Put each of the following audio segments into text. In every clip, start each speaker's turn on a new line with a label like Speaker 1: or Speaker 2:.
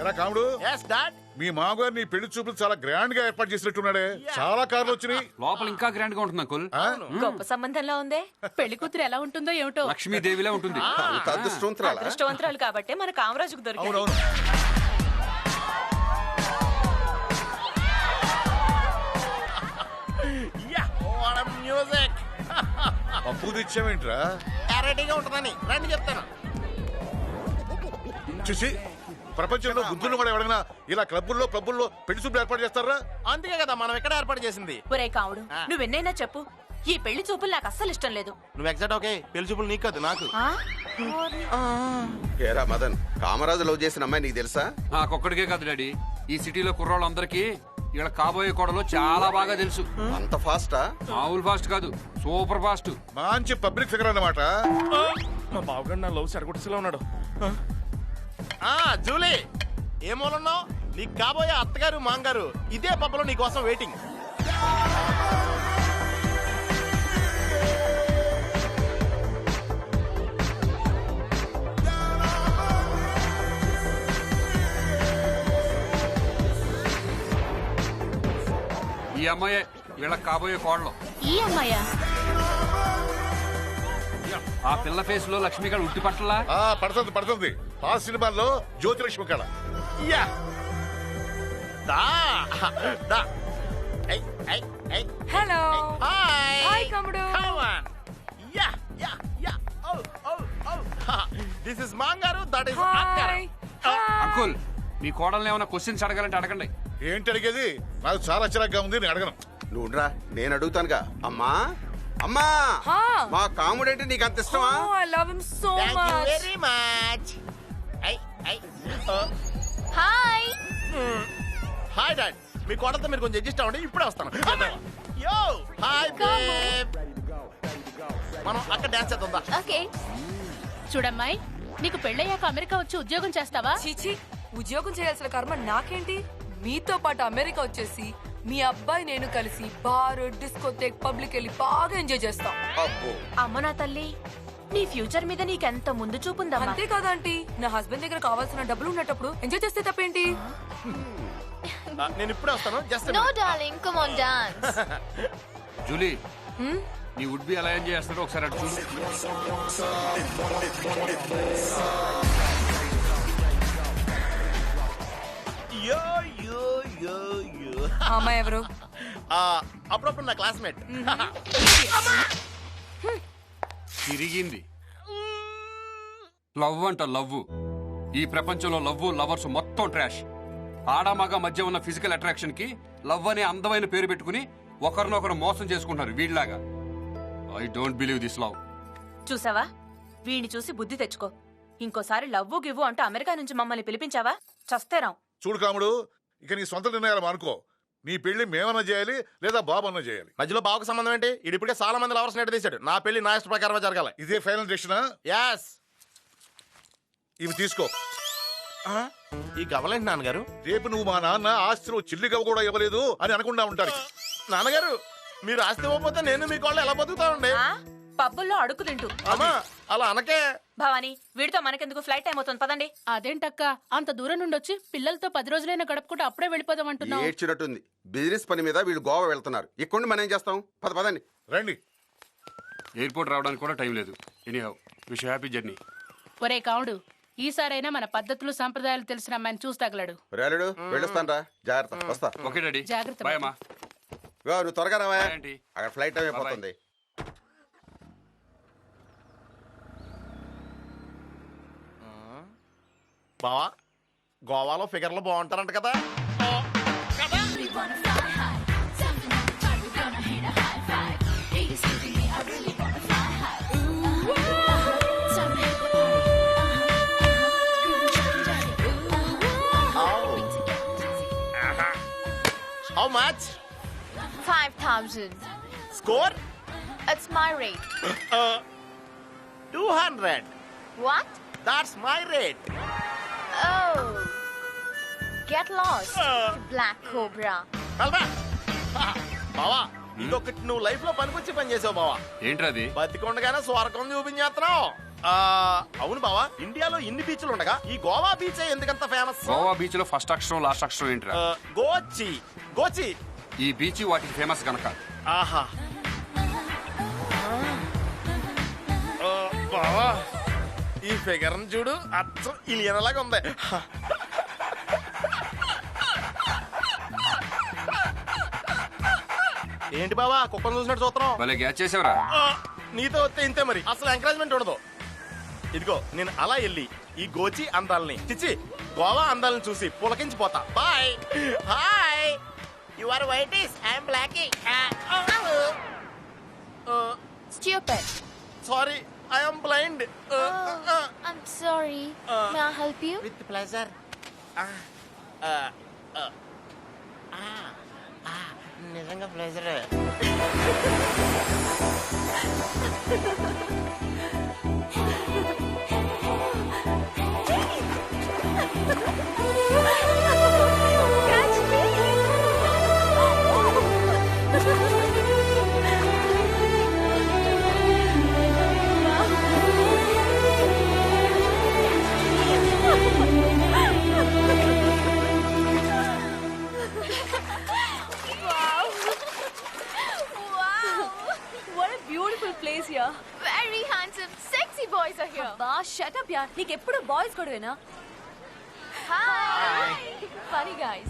Speaker 1: కాముడు
Speaker 2: yes dad
Speaker 1: మీ మామగారు నీ పెళ్లి చూపులు చాలా గ్రాండ్ గా ఏర్పాటు చేసినట్టున్నాడే. చాలా కార్లు వచ్చినాయి.
Speaker 3: లోపల ఇంకా గ్రాండ్ గా ఉంటుంది అంకుల్.
Speaker 4: గొప్ప సంబంధంలో ఉందే. పెళ్లి కూతురు ఎలా ఉంటుందో ఏమిటో.
Speaker 3: లక్ష్మీదేవిలా ఉంటుంది.
Speaker 4: అదృష్టవంతురాలు కాబట్టి మన కామరాజుకు దొరికింది.
Speaker 1: అవునవును.
Speaker 2: yeah what a music
Speaker 1: అప్పు తెచ్చావేంట్రా?
Speaker 2: రెడీగా ఉంటుందని రండి చెప్తాను.
Speaker 1: చూసి ప్రపంచంలో బుద్ధులు కూడా ఎవరైనా ఇలా క్లబ్బుల్లో పెళ్లి చూపులు ఏర్పాటు చేస్తారా?
Speaker 2: అందుకే కదా మనం ఇక్కడ ఏర్పాటు చేసింది.
Speaker 4: ఒరే కావుడు, నువ్వెన్నైనా చెప్పు, ఈ పెళ్లి చూపులు నాకు అస్సలు ఇష్టం లేదు.
Speaker 2: నువ్వు ఎగ్జాక్ట్ ఓకే. పెళ్లి చూపులు నీకు కాదు నాకు.
Speaker 5: ఏరా మదన్, కామరాజు లవ్ చేసిన అమ్మాయి నీకు తెలుసా?
Speaker 3: నాకొక్కడికే కాదు డాడీ, ఈ సిటీలో కుర్రాళ్ళందరికీ ఇక్కడ కాబోయే కోడలు చాలా బాగా తెలుసు.
Speaker 5: అంత ఫాస్టా?
Speaker 3: మామూలు ఫాస్ట్ కాదు, సూపర్ ఫాస్ట్.
Speaker 1: మంచి పబ్లిక్ ఫిగర్ అన్నమాట.
Speaker 2: మా బావగారు నా లవ్ సరగొట్టులో ఉన్నాడు. జూలీ ఏ మూలన్నావు? నీకు కాబోయే అత్తగారు మాంగారు ఇదే పబ్బలో నీ కోసం వెయిటింగ్.
Speaker 3: ఈ అమ్మాయే వీళ్ళకి కాబోయే కోడలు.
Speaker 4: ఈ అమ్మాయా?
Speaker 3: ఆ పిల్ల ఫేస్ లో లక్ష్మి కళ ఉట్టి పట్టలా?
Speaker 1: పడుతుంది. ఆ సినిమాల్లో జ్యోతిలక్ష్మి కళ.
Speaker 4: హలో.
Speaker 2: హాయ్
Speaker 4: కమ్ముడు.
Speaker 2: దిస్ ఇస్ మాంగారు, దట్ ఇస్
Speaker 3: అంకుల్, మీ కోడల్ని ఏమైనా క్వశ్చన్స్ అడగాలంటే అడగండి.
Speaker 1: ఏంటి అడిగేది? నాకు చాలా చిరాగ్గా ఉంది, నేను అడగను.
Speaker 5: నువ్వురా, నేను అడుగుతానుగా. అమ్మా అమ్మా, మా కాముడంటే నీకు అంత ఇష్టమా?
Speaker 4: I love him so much.
Speaker 2: Very much.
Speaker 4: Hi.
Speaker 2: Hi dad, మీ కోడలతో మీరు కొంచెం అడ్జస్ట్ అవ్వండి, ఇప్పుడే వస్తాను. యో హాయ్ బేబ్, మనం అక్కడ డాన్స్ చేద్దాం.
Speaker 4: ఓకే. చూడమ్మాయి, నీకు పెళ్ళయ్యాక అమెరికా వచ్చి ఉద్యోగం చేస్తావా?
Speaker 6: చీచి, ఉద్యోగం చేయాల్సిన కర్మ నాకేంటి? మీతో పాటు అమెరికా వచ్చేసి మీ అబ్బాయి నేను కలిసి బార్, డిస్కోథేక్, పబ్లిక్ వెళ్ళి బాగా ఎంజాయ్ చేస్తాం.
Speaker 4: అమ్మ నా తల్లి, నీ ఫ్యూచర్ మీద నీకెంత ముందు చూపుందమ్మా.
Speaker 6: అంతే కదా ఆంటీ, నా హస్బెండ్ దగ్గర కావాల్సిన డబ్బులు ఉన్నప్పుడు ఎంజాయ్ చేస్తే తప్పేంటి?
Speaker 2: నేను ఇప్పుడే వస్తాను. Just
Speaker 4: no darling, come on dance.
Speaker 3: Julie, నీ వుడ్ బి ఎలా ఎంజాయ్ చేస్తారో ఒకసారి అటు చూడు.
Speaker 2: యో యో యో యో.
Speaker 6: అమ్మాయి ఎవరు?
Speaker 2: అప్పుడప్పుడు నా క్లాస్మేట్.
Speaker 3: తిరిగింది. లవ్ అంట లవ్. ఈ ప్రపంచంలో లవ్, లవర్స్ మొత్తం ట్రాష్. ఆడమగ మధ్య ఉన్న ఫిజికల్ అట్రాక్షన్ కి లవ్ అనే అందమైన పేరు పెట్టుకుని ఒకరినొకరు మోసం చేసుకుంటారు వీళ్ళలాగా. I don't believe this love.
Speaker 4: చూసావా, వీడిని చూసి బుద్ధి తెచ్చుకో. ఇంకోసారి లవ్వు గివ్వు అంటూ అమెరికా నుంచి మమ్మల్ని పిలిపించావా చస్తేరాం.
Speaker 1: చూడు కాముడు, ఇక నీ సొంత నిర్ణయాలు అనుకో. నీ పెళ్లి మేమన్నా చేయాలి లేదా బాబు అన్నా చేయాలి.
Speaker 2: మధ్యలో బావకు సంబంధం ఏంటి? ఇప్పుడే చాలా మంది లవర్స్ నెట్ తీశాడు. నా పెళ్లి నా ఇష్ట ప్రకారమే జరగాలి.
Speaker 1: ఇదే ఫైనల్ డెసిషనా?
Speaker 2: యాస్.
Speaker 1: ఇవి తీసుకో.
Speaker 2: ఈ గవలేంటి నాన్నగారు?
Speaker 1: రేపు నువ్వు మా నాన్న ఆస్తిలో చిల్లి గవ కూడా ఇవ్వలేదు అని అనకుండా ఉంటారు.
Speaker 2: నాన్నగారు, మీరు ఆస్తి ఇవ్వకపోతే నేను మీ కోళ్ళు ఎలా బతుకుతానండి?
Speaker 4: పబ్బుల్లో అడుగు తింటూ.
Speaker 2: అమ్మా అలా అనకే.
Speaker 4: భవానీ, వీడితో మనకెందుకు, ఫ్లైట్ టైం అవుతుంది, పదండి.
Speaker 7: అదేంటక్క, అంత దూరం నుండి వచ్చి పిల్లలతో 10 రోజులైనా గడుపుకుంటూ అప్పుడే వెళ్ళిపోదాం అంటున్నావు?
Speaker 5: ఏడ్చినట్టుంది. బిజినెస్ పని మీద వీళ్ళు గోవా వెళ్తున్నారు. ఇక్కడ మనం ఏం చేస్తాం? పదండి
Speaker 1: రండి.
Speaker 3: ఎయిర్పోర్ట్ రావడానికి కూడా టైం లేదు. Anyhow, wish happy journey.
Speaker 7: ఒరే కావుడు, ఈసారైనా మన పద్ధతులు సంప్రదాయాలు తెలిసిన అమ్మాయిని చూసి తగలడు.
Speaker 5: రేలుడు వెళ్ళొస్తాను రా, జాగ్రత్త. వస్తా.
Speaker 3: ఓకే డాడీ,
Speaker 7: జాగ్రత్త.
Speaker 3: బాయ్ అమ్మా.
Speaker 5: నువ్వు త్వరగా రావా,
Speaker 3: Bye, aunty.
Speaker 5: అక్కడ ఫ్లైట్ టైం అయిపోతుంది.
Speaker 2: బావా, గోవాలో ఫిగర్లు బాగుంటారంట కదా? How much?
Speaker 4: 5,000.
Speaker 2: Score?
Speaker 4: It's my rate.
Speaker 2: 200.
Speaker 4: What?
Speaker 2: That's my rate.
Speaker 4: Oh. Get lost, Black Cobra.
Speaker 2: వెళ్దా? బావా, ఇదొకటి నువ్వు లైఫ్ లో పనికొచ్చి పని చేసావు బావా.
Speaker 3: ఏంట్రది?
Speaker 2: బతికొండగానే స్వర్గం చూపించేస్తున్నావు. అవును బావా, ఇండియాలో ఇన్ని బీచ్లు ఉండగా ఈ గోవా బీచ్ ఎందుకంత ఫేమస్?
Speaker 3: గోవా బీచ్ లో ఫస్ట్ అక్షరం లాస్ట్ అక్షరం ఏంట్రా?
Speaker 2: గోచి. గోచి.
Speaker 3: ఈ బీచ్ వాటికి ఫేమస్ గనక.
Speaker 2: ఆహా. బావా, ఈ ఫిగర్ చూడు, అచ్చం ఇలియనలాగా ఉంది. ఏంటి బావా కుక్కను చూసినట్టు చూస్తున్నావు?
Speaker 3: భలే గ్యాచ్ చేసావురా.
Speaker 2: నీతో వస్తే ఇంతే మరి, అసలు ఎంకరేజ్మెంట్ ఉండదు. ఇదిగో నేను అలా వెళ్ళి ఈ గోచి అందాలని చిచ్చి గోవా అందాలను చూసి పులకించిపోతా. Bye. Hi, you are whitish, I am blacky.
Speaker 8: Stupid.
Speaker 2: Sorry, I am blind.
Speaker 8: I'm sorry. May I help you?
Speaker 2: With pleasure. నిజంగా pleasure.
Speaker 4: What a beautiful place here.
Speaker 8: Very handsome, sexy boys are here.
Speaker 4: బా shut up యార్, నీకెప్పుడు boys గొడవేనా?
Speaker 8: Hi.
Speaker 4: Funny guys.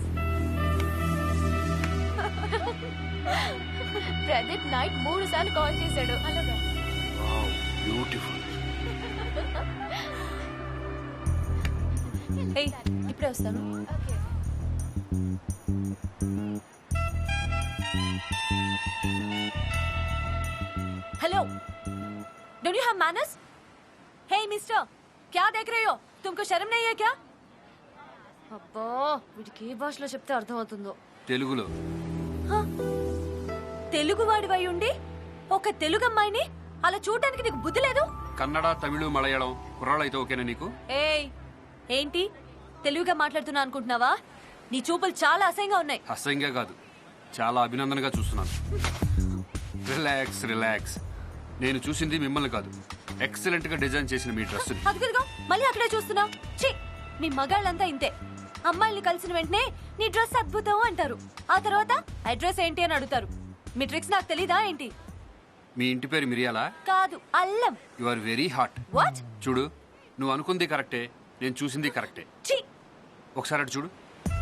Speaker 8: Pradeep night 3 సార్లు call చేశాడు. అలాగా.
Speaker 3: Beautiful.
Speaker 4: ఏయ్, ఇప్పుడే వస్తాను.
Speaker 8: Okay.
Speaker 4: Hello, don't you have manners? Hey mister, क्या देख रहे हो? तुमको शर्म नहीं है क्या?
Speaker 8: అబ్బా, వీడికి ఏ భాషలో చెప్తే అర్థమవుతుందో.
Speaker 3: తెలుగులో.
Speaker 4: తెలుగు వాడివై ఉండి ఒక తెలుగు అమ్మాయిని అలా చూడడానికి నీకు బుద్ధి లేదు?
Speaker 3: కన్నడ, తమిళ, మలయాళం కుర్రాళ్ళైతే ఓకేనా నీకు?
Speaker 4: ఏయ్, ఏంటి తెలుగుగా మాట్లాడుతున్నా అనుకుంటున్నావా? నీ చూపులు చాలా అసహ్యంగా ఉన్నాయి.
Speaker 3: అసహ్యంగా కాదు, చాలా అభినందనగా చూస్తున్నాను. Relax relax. నేను చూసింది మిమ్మల్ని కాదు, ఎక్సలెంట్ గా డిజైన్ చేసిన మీ డ్రెస్.
Speaker 4: అదిగో మళ్ళీ అక్కడే చూస్తున్నావు. ఛీ, మీ మగాళ్ళంతా ఇంతే. అమ్మాయిల్ని కలిసిన వెంటనే నీ డ్రెస్ అద్భుతం అంటారు, ఆ తర్వాత అడ్రస్ ఏంటి అని అడుగుతారు. మీ ట్రిక్స్ నాకు తెలీదా ఏంటి?
Speaker 3: మీ ఇంటి పేరు మిరియాలా?
Speaker 4: కాదు, అల్లం.
Speaker 3: You are very hot.
Speaker 4: What?
Speaker 3: చూడు, నువ్వు అనుకుంది కరెక్టే, నేను చూసింది కరెక్టే.
Speaker 4: ఛీ,
Speaker 3: ఒకసారి అటు చూడు.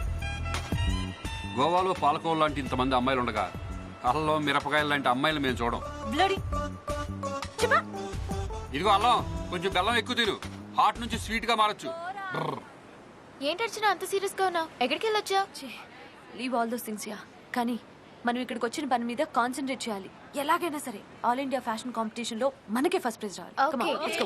Speaker 3: గోవాలో పాలకోవ లాంటి ఇంతమంది అమ్మాయిలు ఉండగా అల్లం, మిరపకాయలు లాంటి అమ్మాయిలు మేము చూడం.
Speaker 4: బ్లడీ. చెప్పా.
Speaker 3: ఇదిగో అల్లం, కొంచెం బెల్లం ఎక్కువ తిను, హాట్ నుంచి స్వీట్ గా మారచ్చు.
Speaker 8: ఏంటర్చిన అంత సీరియస్ గా ఉన్నావు? ఎక్కడికి వెళ్ళొచ్చా?
Speaker 4: Leave all those things yeah. కానీ మనం ఇక్కడికి వచ్చిన పని మీద కాన్సన్ట్రేట్ చేయాలి. ఎలాగైనా సరే ఆల్ ఇండియా ఫ్యాషన్ కాంపిటీషన్ లో మనకే ఫస్ట్ ప్రైజ్ రావాలి. Come on, let's go.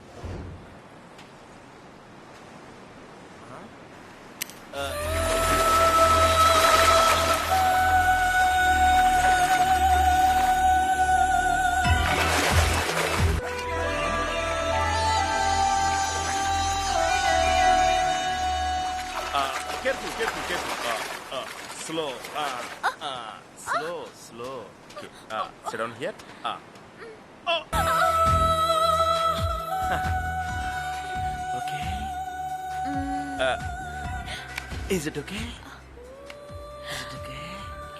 Speaker 2: Careful, careful, careful. Slow. Slow, slow. Okay. Sit down here. Oh. Okay. Is it okay? Is it okay?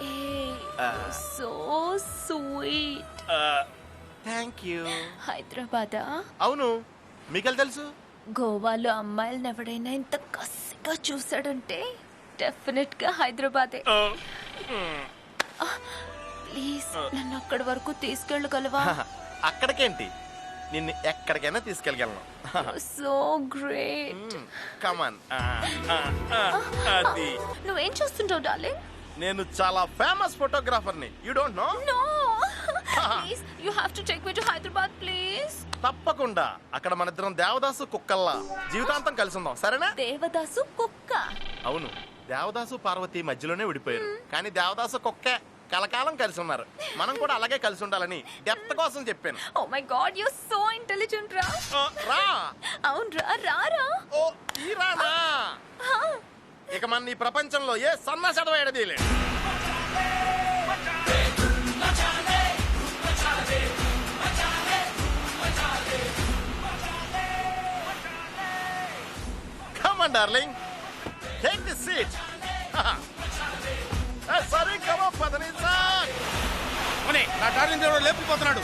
Speaker 4: So sweet.
Speaker 2: Thank you.
Speaker 4: హైదరాబాదా?
Speaker 2: అవును, మీకెళ్ళి తెలుసు?
Speaker 4: గోవాలో అమ్మాయిలను ఎవడైనా ఇంత కసిగా చూసాడంటే డెఫినెట్ గా హైదరాబాదే. ప్లీజ్ నన్ను అక్కడి వరకు తీసుకెళ్ళగలవా?
Speaker 2: అక్కడికేంటి, నిన్ను ఎక్కడికైనా తీసుకెళ్ళగలను.
Speaker 4: So great.
Speaker 2: కమాన్. అది
Speaker 4: నువ్వేం చూస్తుంటావు డార్లింగ్?
Speaker 2: నేను చాలా ఫేమస్ ఫోటోగ్రాఫర్ని. You don't know?
Speaker 4: No, please you have to take me to Hyderabad please.
Speaker 2: తప్పకుండా. అక్కడ మన ఇద్దరం దేవదాసు కుక్కల్లా జీవితాంతం కలిసి ఉందాం, సరేనా?
Speaker 4: దేవదాసు కుక్క?
Speaker 2: అవును, దేవదాసు పార్వతి మధ్యలోనే విడిపోయారు, కానీ దేవదాసు కుక్కే కలకాలం కలిసి ఉన్నారు. మనం కూడా అలాగే కలిసి ఉండాలని డెప్త్ కోసం చెప్పాను.
Speaker 4: Oh my God, you are so intelligent రా.
Speaker 2: రా.
Speaker 4: అవును రా, రారా.
Speaker 2: ఓ ఈ రానా? ఇక మన ఈ ప్రపంచంలో ఏ సన్నాసడవ ఎడదీయలేడు. Come on darling take this seat sorry కమా పదని సార్
Speaker 9: నా డార్లింగ్ దేవుడు లేపుకుపోతున్నాడు.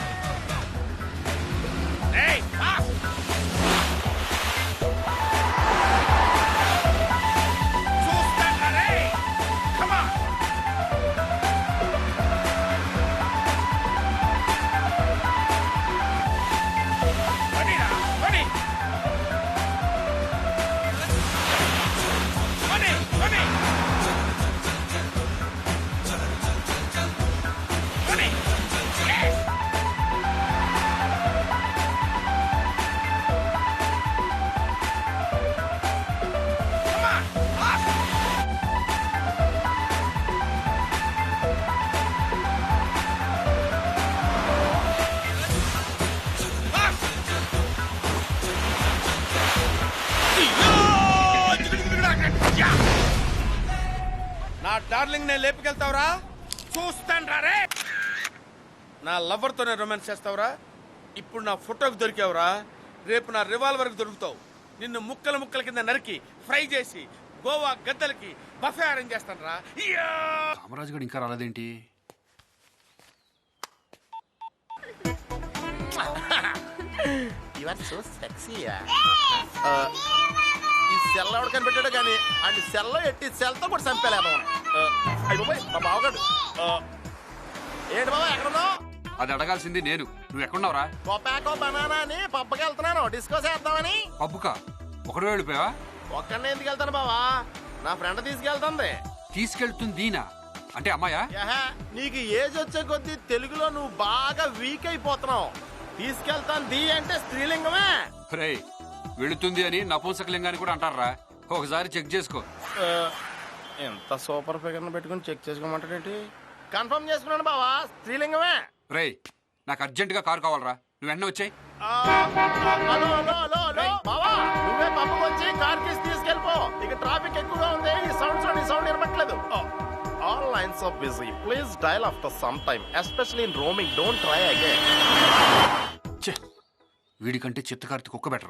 Speaker 9: నా డార్లింగ్ నే లేపుకెళ్తావురా? చూస్తాను రే. నా లవర్ తోనే రొమాన్స్ చేస్తావురా? ఇప్పుడు నా ఫోటోకి దొరికావురా, రేపు నా రివాల్వర్ కి దొరుకుతావు. నిన్ను ముక్కల ముక్కల కింద నరికి ఫ్రై చేసి గోవా గద్దలకి బఫే అరేంజ్ చేస్తాను రా.
Speaker 3: కామరాజు గడు ఇంకా రాలేదేంటి?
Speaker 2: You are so sexy. ఈ సెల్ ఎవడు కనిపెట్టాడు కానీ అండ్ సెల్లో ఎట్టి సెల్తో కూడా చంపేలేదు. అయ్యి బాబాయ్ మా బావగాడు. ఏంటి బాబా ఎక్కడున్నావు?
Speaker 3: అది అడగాల్సింది నేను. నువ్వు ఎక్కడున్నావురా?
Speaker 2: కొపాకో బనానా అని పబ్బకి వెళ్తున్నాను డిస్కో చేద్దామని.
Speaker 3: పబ్బుకా? ఒకడు వెళ్ళిపోయావా?
Speaker 2: ఒక్కడనే ఎందుకు వెళ్తాను బావా, నా ఫ్రెండ్ తీసుకెళ్తుంది.
Speaker 3: తీసుకెళ్తుందీనా అంటే అమ్మాయా?
Speaker 2: యహా, నీకు ఏజ్ వచ్చే కొద్దీ తెలుగులో నువ్వు బాగా వీక్ అయిపోతున్నావు. తీసుకెళ్తాను ది అంటే స్త్రీలింగమే.
Speaker 3: రే, వెళుతుంది అని నపుంసకలింగాన్ని కూడా అంటారా? ఒకసారి చెక్ చేసుకో.
Speaker 2: ఎంత సూపర్ ఫిగర్ పెట్టుకుని చెక్ చేసుకోమంటాడేంటి? కన్ఫర్మ్ చేసుకున్నాను బావా, స్త్రీలింగమే.
Speaker 3: రే, నాకు అర్జెంట్ గా కారు కావాలరా, నువ్వు వెంటనే వచ్చాయి.
Speaker 2: హలో హలో హలో హలో బావా, నువ్వే పక్కకు వచ్చి కార్ కేసు తీసుకెళ్ళిపో. ఇక ట్రాఫిక్ ఎక్కువగా ఉంది, ఈ సౌండ్స్ లో నీ సౌండ్ వినపట్లేదు. All lines are busy, please dial after some time, especially in roaming, don't try again.
Speaker 3: వీడికంటే చిత్తకార్తి కుక్క బెటర్.